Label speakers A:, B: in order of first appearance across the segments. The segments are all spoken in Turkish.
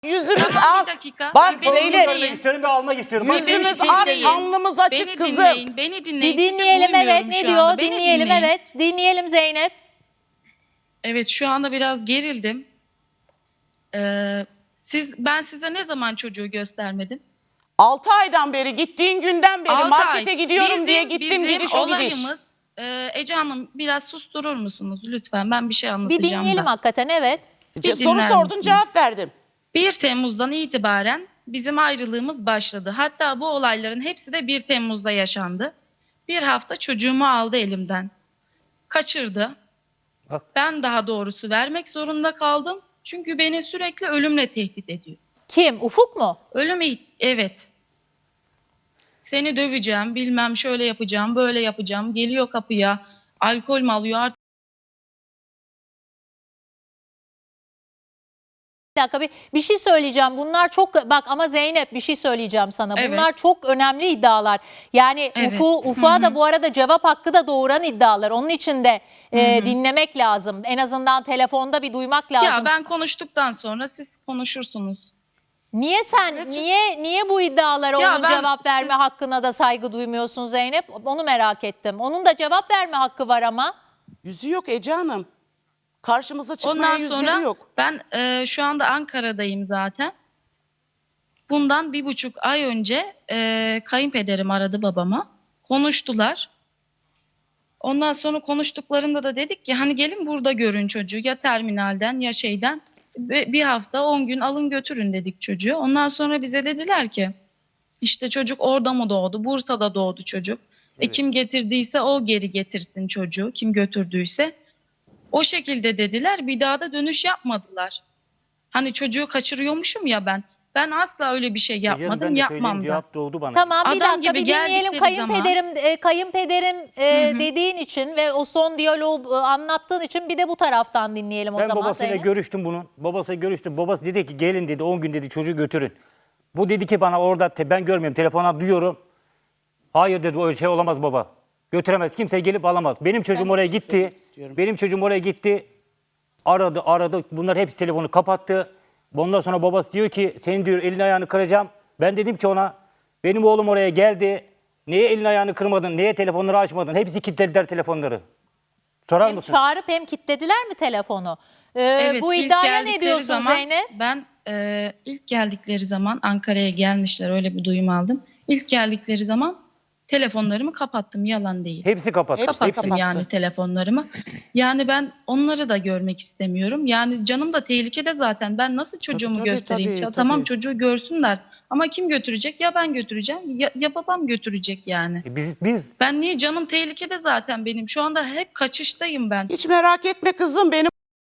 A: Yüzümüz
B: Tamam,
A: ak.
B: bir dakika.
A: Bak
B: Beni
A: Zeynep.
B: dinleyin.
C: İstiyorum ve almak istiyorum.
B: Beni
A: Yüzümüz
B: dinleyin.
A: ak, alnımız açık
B: Beni
A: kızım.
B: dinleyin, beni dinleyin.
D: Bir
B: Sizi
D: dinleyelim, evet,
B: duymuyorum
D: ne
B: şu
D: diyor?
B: anda. Beni
D: Dinleyelim,
B: dinleyin.
D: evet. Dinleyelim Zeynep.
B: Evet, şu anda biraz gerildim. Ben size ne zaman çocuğu göstermedim?
A: 6 aydan beri, gittiğin günden beri
B: 6
A: markete
B: ay.
A: gidiyorum diye gittim, gidiş o gidiş.
B: Olayımız, Ece Hanım biraz susturur musunuz lütfen? Ben bir şey
D: Bir
B: anlatacağım
D: dinleyelim
B: da.
D: hakikaten, evet.
B: Bir
A: Soru
B: dinler
A: sordun,
B: misiniz?
A: cevap verdim.
B: 1 Temmuz'dan itibaren bizim ayrılığımız başladı. Hatta bu olayların hepsi de 1 Temmuz'da yaşandı. Bir hafta çocuğumu aldı elimden. Kaçırdı.
C: Bak.
B: Ben daha doğrusu vermek zorunda kaldım. Çünkü beni sürekli ölümle tehdit ediyor.
D: Kim? Ufuk mu?
B: Evet. Seni döveceğim, bilmem şöyle yapacağım, böyle yapacağım. Geliyor kapıya, alkol mü alıyor artık?
D: Bir dakika, bir şey söyleyeceğim. Bunlar çok, bak ama Zeynep, bir şey söyleyeceğim sana.
B: Evet.
D: Bunlar çok önemli iddialar. Yani
B: Evet.
D: Ufuk'a da bu arada cevap hakkı da doğuran iddialar. Onun için de dinlemek lazım. En azından telefonda bir duymak lazım.
B: Ya ben konuştuktan sonra siz konuşursunuz.
D: Niye niye bu iddialara
B: Ya
D: onun
B: ben-
D: cevap verme hakkına da saygı duymuyorsun Zeynep? Onu merak ettim. Onun da cevap verme hakkı var ama.
A: Yüzü yok Ece Hanım. Karşımıza çıkmaya
B: Ondan
A: yüzleri
B: sonra
A: yok.
B: ben şu anda Ankara'dayım zaten. Bundan 1,5 ay önce kayınpederim aradı babama. Konuştular. Ondan sonra konuştuklarında da dedik ki hani gelin burada görün çocuğu, ya terminalden ya şeyden. Bir hafta 10 gün alın götürün dedik çocuğu. Ondan sonra bize dediler ki işte çocuk orada mı doğdu? Bursa'da doğdu çocuk.
C: Evet.
B: Kim getirdiyse o geri getirsin çocuğu. Kim götürdüyse. O şekilde dediler. Bir daha da dönüş yapmadılar. Hani çocuğu kaçırıyormuşum ya ben. Ben asla öyle bir şey
C: Ece Hanım,
B: yapmadım,
C: ben de
B: yapmam
C: söyleyeyim,
B: da.
C: cevap doğdu bana.
D: Tamam, bir
B: Adam
D: dakika
B: gibi
D: bir dinleyelim
B: geldikleri
D: kayınpederim dediğin için ve o son diyaloğu anlattığın için bir de bu taraftan dinleyelim o
C: Ben
D: zaman.
C: babasıyla
D: Zeynep.
C: görüştüm bunun. Babasıyla görüştüm. Babası dedi ki gelin dedi 10 gün dedi çocuğu götürün. Bu dedi ki bana orada ben görmüyorum, telefona duyuyorum. Hayır dedi, o şey olamaz baba. Götüremez, kimse gelip alamaz. Benim çocuğum oraya gitti. Benim çocuğum oraya gitti. Aradı. Bunlar hepsi telefonu kapattı. Ondan sonra babası diyor ki senin diyor elini ayağını kıracağım. Ben dedim ki ona benim oğlum oraya geldi. Niye elini ayağını kırmadın? Niye telefonları açmadın? Hepsi kilitlediler telefonları. Sorar
D: Hem
C: mısın?
D: çağırıp hem kilitlediler mi telefonu?
B: Evet,
D: Bu
B: ilk
D: iddiaya ne
B: geldikleri
D: diyorsun
B: zaman,
D: Zeynep?
B: Ben ilk geldikleri zaman Ankara'ya gelmişler, öyle bir duyum aldım. İlk geldikleri zaman telefonlarımı kapattım, yalan değil.
C: Hepsi kapattı.
A: Hepsi
B: Kapattım
A: kapattı.
B: yani telefonlarımı. Yani ben onları da görmek istemiyorum. Yani canım da tehlikede zaten. Ben nasıl çocuğumu
A: Tabii,
B: göstereyim?
A: tabii.
B: Tamam, çocuğu görsünler. Ama kim götürecek? Ya ben götüreceğim ya babam götürecek yani.
C: Biz
B: Ben niye, canım tehlikede zaten benim. Şu anda hep kaçıştayım ben.
A: Hiç merak etme kızım benim.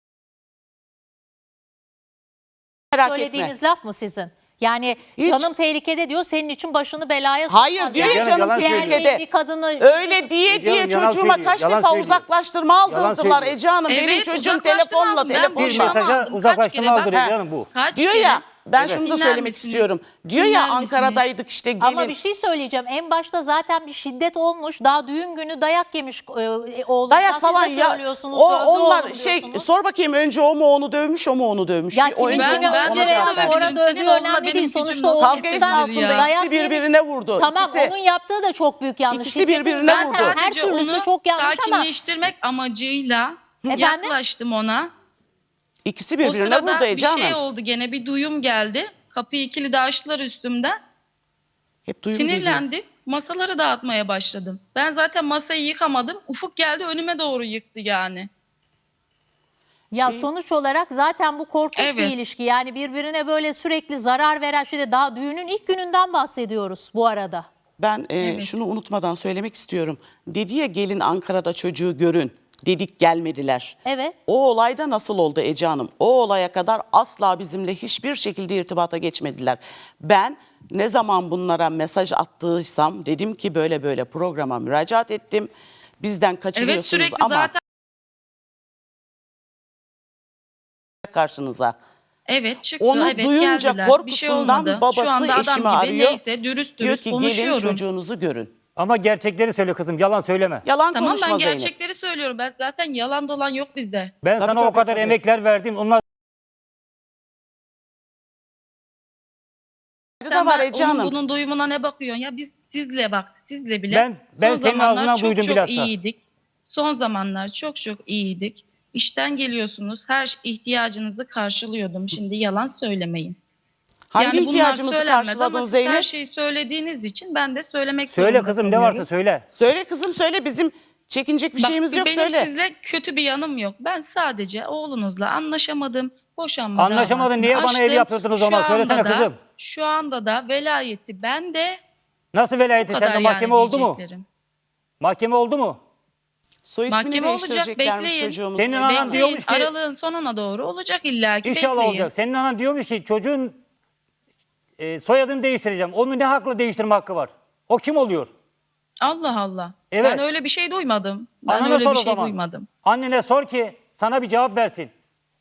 A: Merak etme.
D: Söylediğiniz laf mı sizin? Yani
A: Hiç.
D: canım tehlikede diyor, senin için başını belaya sokmaz.
A: Hayır diyor
D: Yani
A: ya
C: Yalan
A: canım
C: söylüyor.
A: tehlikede.
D: bir kadını
A: Öyle diye
C: Ece Hanım, yalan
A: çocuğuma
C: söylüyor,
A: kaç
C: yalan
A: defa
C: söylüyor.
A: uzaklaştırma
C: Yalan
A: aldırdılar
C: söylüyor.
A: Ece Hanım. Benim
B: Evet,
A: çocuğum
B: uzaklaştırma
A: telefonla
B: aldım. Ben
C: bir
B: boşanma
C: mesaja
B: aldım. Kaç
C: uzaklaştırma
B: kere bak-
C: aldırıyor canım bu.
B: Kaç
A: diyor
B: kere?
A: ya ben
C: Evet.
A: şunu da
B: Dinler
A: söylemek
B: misiniz?
A: istiyorum. Diyor
B: Dinler
A: ya
B: misiniz?
A: Ankara'daydık işte gelin.
D: Ama bir şey söyleyeceğim. En başta zaten bir şiddet olmuş. Daha düğün günü dayak yemiş oğlunuzdan.
A: Dayak falan
D: Siz de
A: ya.
D: söylüyorsunuz.
A: O
D: dövdü
A: onlar
D: oğlum
A: şey
D: diyorsunuz.
A: sor bakayım önce o mu onu dövmüş, o mu onu dövmüş.
D: Ya
A: Bir o
D: kimin
A: önce
D: kimi
A: ona
D: önce
B: ona
D: veya
A: cevap ver.
D: sonra
B: Senin
D: dövdüğü
B: oğlunla
D: önemli
B: benim
D: değil.
B: gücüm
D: Sonuçta
B: nasıl
D: o
A: Kavga
B: eşittir
A: esnasında
B: ya?
D: Dayak
A: ikisi
D: yemiş.
A: birbirine vurdu.
D: Tamam,
A: İkisi-
D: onun yaptığı da çok büyük yanlış.
A: İkisi
D: Şiddetin
A: birbirine
D: zaten
A: vurdu.
D: her
B: Sadece
D: türlüsü
B: onu
D: çok yanlış ama
B: sakinleştirmek amacıyla
D: Efendim?
B: yaklaştım ona.
A: İkisi
B: O
A: birbirine
B: sırada
A: vurdu
B: bir
A: Ece
B: şey
A: Hanım.
B: oldu, gene bir duyum geldi. Kapıyı kilidi açtılar üstümden.
A: Hep duyum geliyor.
B: Sinirlendim. Masaları dağıtmaya başladım. Ben zaten masayı yıkamadım. Ufuk geldi önüme doğru yıktı yani.
D: ya
A: Şey-
D: sonuç olarak zaten bu korkunç bir
B: Evet.
D: ilişki. Yani birbirine böyle sürekli zarar veren şeyde, daha düğünün ilk gününden bahsediyoruz bu arada.
A: Ben
B: Evet.
A: şunu unutmadan söylemek istiyorum. Dedi ya gelin Ankara'da çocuğu görün. Dedik gelmediler.
D: Evet.
A: O olayda nasıl oldu Ece Hanım? O olaya kadar asla bizimle hiçbir şekilde irtibata geçmediler. Ben ne zaman bunlara mesaj attıysam dedim ki böyle böyle programa müracaat ettim. Bizden
B: Evet,
A: kaçırıyorsunuz
B: sürekli
A: ama
B: zaten
A: karşınıza.
B: evet çıktı.
A: Onu
B: Evet,
A: duyunca
B: geldiler. Bir şey
A: korkusundan
B: olmadı.
A: babası
B: Şu anda adam
A: eşimi
B: gibi
A: arıyor.
B: neyse dürüst
A: Diyor
B: dürüst
A: ki gelin
B: konuşuyorum.
A: çocuğunuzu görün.
C: Ama gerçekleri söyle kızım, yalan söyleme.
A: Yalan
B: Tamam,
A: konuşma
B: ben
A: Zeynep.
B: gerçekleri söylüyorum. Ben zaten yalan dolan yok bizde.
C: Ben
A: Tabii,
C: sana o
A: tabii,
C: kadar
A: tabii.
C: emekler verdim. Onlar
B: Sen
A: var
B: ben
A: Ece
B: onun
A: Hanım.
B: bunun duyumuna ne bakıyorsun ya? Biz sizle bile
C: Ben
B: son
C: senin
B: zamanlar
C: ağzından
B: çok
C: duydum
B: çok
C: bilhassa.
B: iyiydik. Son zamanlar çok çok iyiydik. İşten geliyorsunuz, her ihtiyacınızı karşılıyordum. Şimdi yalan söylemeyin.
A: Hangi
B: Yani bunlar
A: ihtiyacımızı
B: söylenmez
A: karşıladın
B: ama siz her
A: Zeynep?
B: şeyi söylediğiniz için ben de söylemek
C: Söyle
B: zorunda
C: kızım ne
B: kalıyorum.
C: varsa söyle.
A: Söyle kızım söyle, bizim çekinecek bir
B: Bak,
A: şeyimiz yok,
B: benim
A: söyle.
B: sizle kötü bir yanım yok. Ben sadece oğlunuzla anlaşamadım. Boşanma
C: Anlaşamadın,
B: davasını
C: niye bana
B: açtım.
C: ev yaptırdınız o zaman?
B: Şu
C: Söylesene
B: anda da-
C: kızım.
B: Şu anda da velayeti bende.
C: Nasıl velayeti?
B: Bu kadar
C: Sende
B: yani
C: mahkeme oldu mu?
B: diyeceklerim.
C: Mahkeme oldu mu?
A: Soy ismini
B: Mahkeme olacak,
A: değiştireceklermiş
B: bekleyin.
A: çocuğumuz.
C: Senin anan
B: Bekleyin.
C: diyormuş ki
B: Aralığın sonuna doğru olacak illaki.
C: İnşallah
B: Bekleyin.
C: olacak. Senin anan diyormuş ki çocuğun soyadını değiştireceğim. Onun ne hakla değiştirme hakkı var? O kim oluyor?
B: Allah Allah.
C: Evet.
B: Ben öyle bir şey duymadım. Ben
C: Anana
B: öyle
C: sor
B: bir
C: o
B: şey
C: zaman.
B: duymadım.
C: Annene sor ki sana bir cevap versin.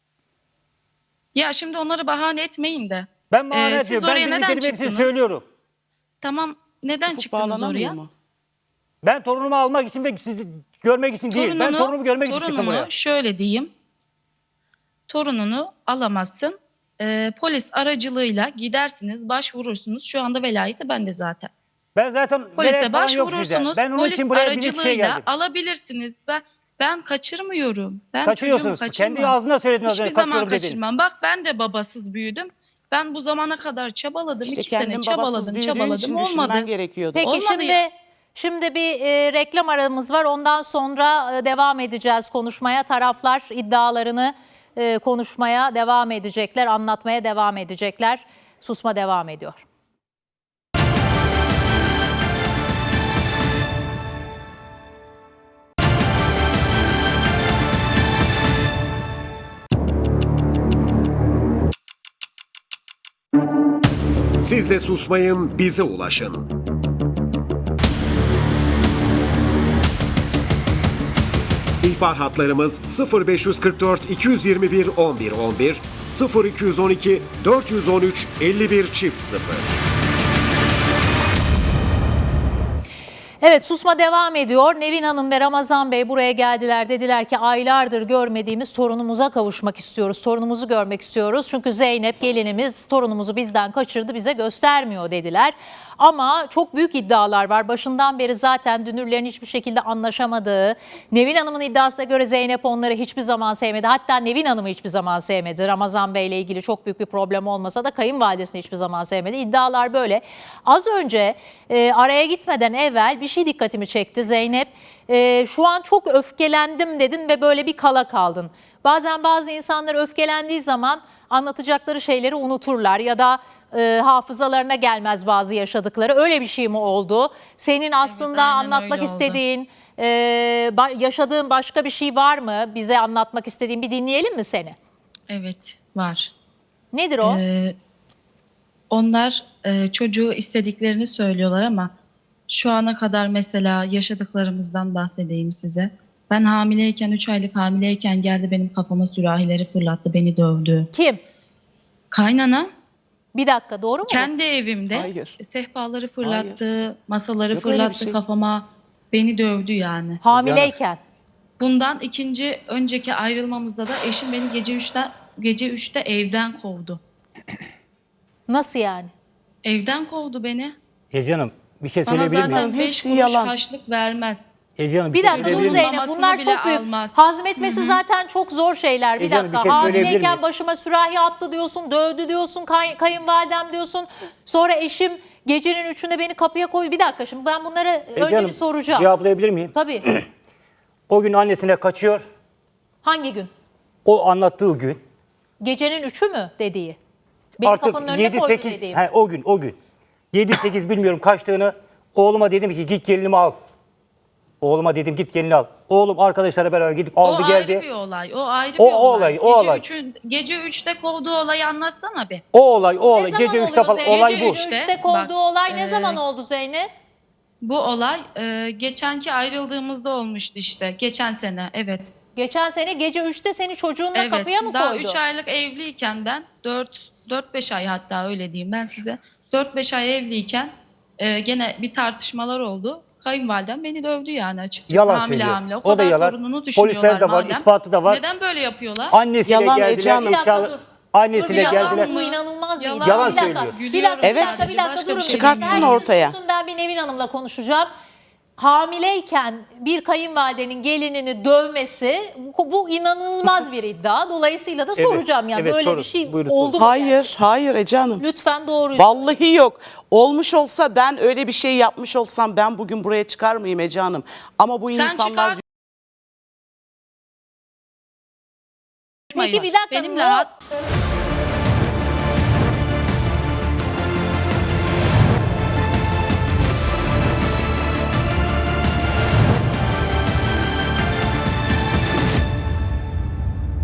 B: Ya şimdi onları bahane etmeyin de.
C: Ben bahane
B: Siz
C: ediyorum. Ben
B: oraya neden
C: bildiklerimi hepsini
B: çıktınız?
C: söylüyorum.
B: Tamam, neden
A: Ufuk
B: çıktınız
A: bağlanamıyor
B: oraya?
A: mu?
C: Ben torunumu almak için ve sizi görmek için değil. Ben torunumu görmek için çıktım buraya.
B: Şöyle diyeyim. Torununu alamazsın. Polis aracılığıyla gidersiniz, başvurursunuz. Şu anda velayeti bende zaten.
C: Ben zaten
B: Polise
C: velayet falan yok sizde.
B: başvurursunuz.
C: Ben onun
B: Polis
C: için buraya bir şey
B: aracılığıyla
C: geldim.
B: alabilirsiniz. Ben kaçırmıyorum. Ben çocuğumu
C: Kaçıyorsunuz.
B: kaçırmam.
C: Kendi ağzına söyledin az
B: Hiçbir
C: önce
B: zaman
C: kaçıyorum dedin.
B: kaçırmam. Bak ben de babasız büyüdüm. Ben bu zamana kadar çabaladım.
A: İşte
B: 2 sene
A: kendin babasız
B: çabaladım.
A: büyüdüğün için
B: Olmadı.
A: düşünmen gerekiyordu.
D: Peki
B: Olmadı ya.
D: şimdi bir reklam aramız var. Ondan sonra devam edeceğiz konuşmaya. Taraflar iddialarını konuşmaya devam edecekler, anlatmaya devam edecekler. Susma devam ediyor.
E: Siz de susmayın, bize ulaşın. İhbar hatlarımız 0544 221 1111, 0212 413 51 çift 0.
D: Evet, susma devam ediyor. Nevin Hanım ve Ramazan Bey buraya geldiler. Dediler ki aylardır görmediğimiz torunumuza kavuşmak istiyoruz. Torunumuzu görmek istiyoruz. Çünkü Zeynep gelinimiz torunumuzu bizden kaçırdı, bize göstermiyor dediler. Ama çok büyük iddialar var. Başından beri zaten dünürlerin hiçbir şekilde anlaşamadığı, Nevin Hanım'ın iddiasına göre Zeynep onları hiçbir zaman sevmedi. Hatta Nevin Hanım'ı hiçbir zaman sevmedi. Ramazan Bey ile ilgili çok büyük bir problem olmasa da kayınvalidesini hiçbir zaman sevmedi. İddialar böyle. Az önce araya gitmeden evvel bir şey dikkatimi çekti Zeynep. Şu an çok öfkelendim dedin ve böyle bir kala kaldın. Bazen bazı insanlar öfkelendiği zaman anlatacakları şeyleri unuturlar ya da hafızalarına gelmez bazı yaşadıkları. Öyle bir şey mi oldu? Senin aslında
B: aynen
D: anlatmak
B: öyle oldu.
D: istediğin, yaşadığın başka bir şey var mı? Bize anlatmak istediğin, bir dinleyelim mi seni?
B: Evet, var.
D: Nedir o?
B: Onlar çocuğu istediklerini söylüyorlar ama şu ana kadar mesela yaşadıklarımızdan bahsedeyim size. Ben hamileyken, 3 aylık hamileyken geldi benim kafama sürahileri fırlattı, beni dövdü.
D: Kim?
B: Kaynana
D: Bir dakika, doğru mu?
B: kendi evimde
A: Hayır.
B: sehpaları fırlattı, masaları
A: Yok öyle bir
B: fırlattı
A: şey.
B: kafama, beni dövdü yani.
D: Hamileyken.
B: Bundan önceki ayrılmamızda da eşim beni gece 3'te evden kovdu.
D: Nasıl yani?
B: Evden kovdu beni.
C: Ece Hanım bir şey
B: Bana
C: söyleyebilir miyim?
B: zaten 5
A: Hepsi
B: kuruş
A: yalan.
B: harçlık vermez.
C: Ece Hanım
D: Bir
C: şey
D: dakika
C: söyleyebilir
D: dur
C: miyim?
D: Zeynep,
B: Mamasını
D: bunlar
B: bile
D: çok büyük.
B: almaz.
D: Hazmetmesi zaten çok zor şeyler. Bir
C: Ece Hanım,
D: dakika,
C: bir şey söyleyebilir
D: hamileyken
C: miyim?
D: başıma sürahi attı diyorsun, dövdü diyorsun, kayınvalidem diyorsun. Sonra eşim gecenin 3'ünde beni kapıya koydu. Bir dakika, şimdi ben bunları
C: Ece
D: önce
C: Hanım,
D: bir soracağım.
C: cevaplayabilir miyim?
D: Tabii.
C: O gün annesine kaçıyor.
D: Hangi gün?
C: O anlattığı gün.
D: Gecenin 3'ü mü dediği? Beni
C: Artık
D: kapının önüne koydu
C: 7-8
D: dediğim.
C: o gün. 7-8 bilmiyorum kaçtığını. Oğluma dedim ki git gelinimi al. Oğluma dedim git gelini al. Oğlum arkadaşlarla beraber gidip aldı
B: o
C: geldi.
B: ayrı bir olay. O ayrı
C: O
B: bir olay.
C: olay.
B: Gece 3'te kovduğu olayı anlatsana bir.
C: O olay.
D: Ne zaman
C: Gece 3'te
D: oluyor
C: falan
D: Zeynep?
C: olay
B: Gece
C: bu.
B: üç.
D: 3'te kovduğu
B: Bak,
D: olay ne zaman oldu Zeynep?
B: Bu olay geçenki ayrıldığımızda olmuştu işte. Geçen sene, evet.
D: Geçen sene gece 3'te seni çocuğunla
B: Evet.
D: kapıya mı
B: Daha
D: koydu?
B: 3 aylık evliyken ben 4-5 ay hatta öyle diyeyim ben size. 4-5 ay evliyken gene bir tartışmalar oldu. Kayınvalidem beni dövdü yani açıkçası.
C: Yalan
B: hamile
C: söylüyor.
B: hamile. O
C: O da
B: kadar
C: yalan.
B: torununu düşünüyorlar
C: Polisler de var,
B: madem.
C: ispatı da var.
B: Neden böyle yapıyorlar?
C: Annesiyle
A: Yalan Ece
C: geldiler.
A: Hanım.
D: Bir dakika, dur.
C: Annesiyle
B: Yalan
C: geldiler.
B: mı?
D: Bu inanılmaz bir
B: Yalan.
D: iddia.
C: Yalan
D: Bir dakika,
C: söylüyor.
D: bir dakika,
A: Evet.
D: bir dakika
B: Başka
D: durun.
B: bir şey
A: Çıkartsın
B: bilmiyorum.
A: ortaya.
D: Ben bir Nevin Hanım'la konuşacağım. Hamileyken bir kayınvalidenin gelinini dövmesi bu inanılmaz bir iddia. Dolayısıyla da
C: Evet,
D: soracağım yani
C: evet,
D: böyle
C: sorun.
D: bir şey
C: Buyurun,
D: oldu mu?
A: Hayır, hayır Ece Hanım.
D: Lütfen doğruyu.
A: Vallahi yok. Olmuş olsa ben öyle bir şey yapmış olsam ben bugün buraya çıkar mıyım Ece Hanım? Ama bu
B: Sen
A: insanlar
B: çıkarsın.
D: Peki bir dakika.
B: Benimle
D: ne-
B: rahat